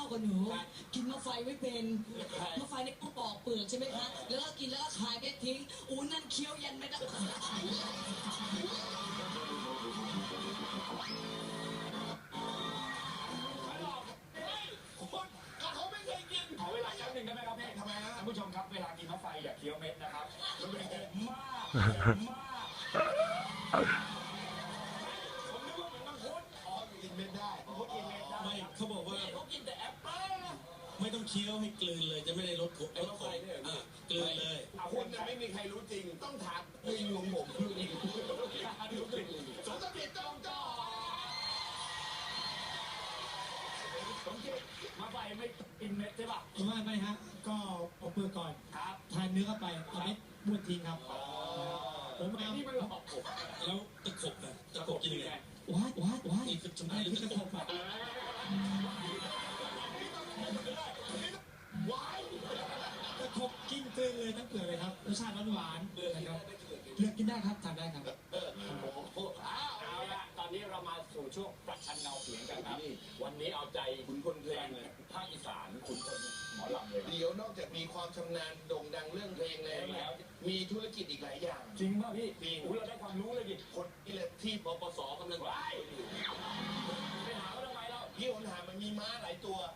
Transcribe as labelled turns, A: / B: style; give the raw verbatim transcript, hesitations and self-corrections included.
A: กว่าหนูกินมะไฟไม่เป็นมะไฟเนี่ยก็ปอกเปลือกใช่ไหมคะแล้วก็กินแล้วก็คายเม็ดทิ้งอู้นั่นเคี้ยวยันไม่ได้
B: ขอเวลาแป๊บนึงได้ไหมครับพี่ทำไมฮะท่านผู้ชมครับเวลากินมะไฟอย่าเคี้ยวเม็ดนะครับมันเป็นผมมากผมมากผมนึกว่าเหมือนมังคุดอ๋อกินเม็ดได้มังคุดกินเม็ดได้ไม่เขาบอกว่าเขากินแต่แอปเปิ้ลไม่ต้องเคี้ยวให้กลืนเลยจะไม่ได้ลดขมลดขมกลืนเลยคนจะไม่มีใครรู้จริงต้องถามลิงของผมลิงสมเด็จจอมจ่อมาไฟไม่กินเม็ดใช่ป่ะ
C: ไม่ไม่ฮะก็เอาเปลือกก่อน
B: ครับ
C: ทานเนื้อเข้าไปเอาเม็ดบ้วนทิ้งครับผมเอา
B: ที่มันหลอกผม
D: แล้วตะขบนะตะขบกินยังไง
C: ว้ายว้ายว้าย
D: นี่คือจำได้หรือ
C: ที่ตะขบอ่ะตะขบกินเกลือเลยทั้งเปลือกเลยครับรสชาติหวานๆนะครับเลือกกินได้ครับทานได้ครับ
B: เอาละตอนนี้เรามาสู่ช่วงประชันเงาเสียงกันครับวันนี้เอาใจคุณคนเพลงภาคอีสานคุณคนหมอลำเลย
E: เดี๋ยวนอกจากมีความชำนาญโด่งดังเรื่องเพลงแล้วมีธุรกิจอีกหลายอย่าง
B: จริงป่ะพี่จริงเราได้ความรู้เลยดิ
E: คนนี่แหละที่ปปสกำลังไล่
B: ไปหาเขาทำไมเรา
E: พี่หนหามันมีม้าหลายตัว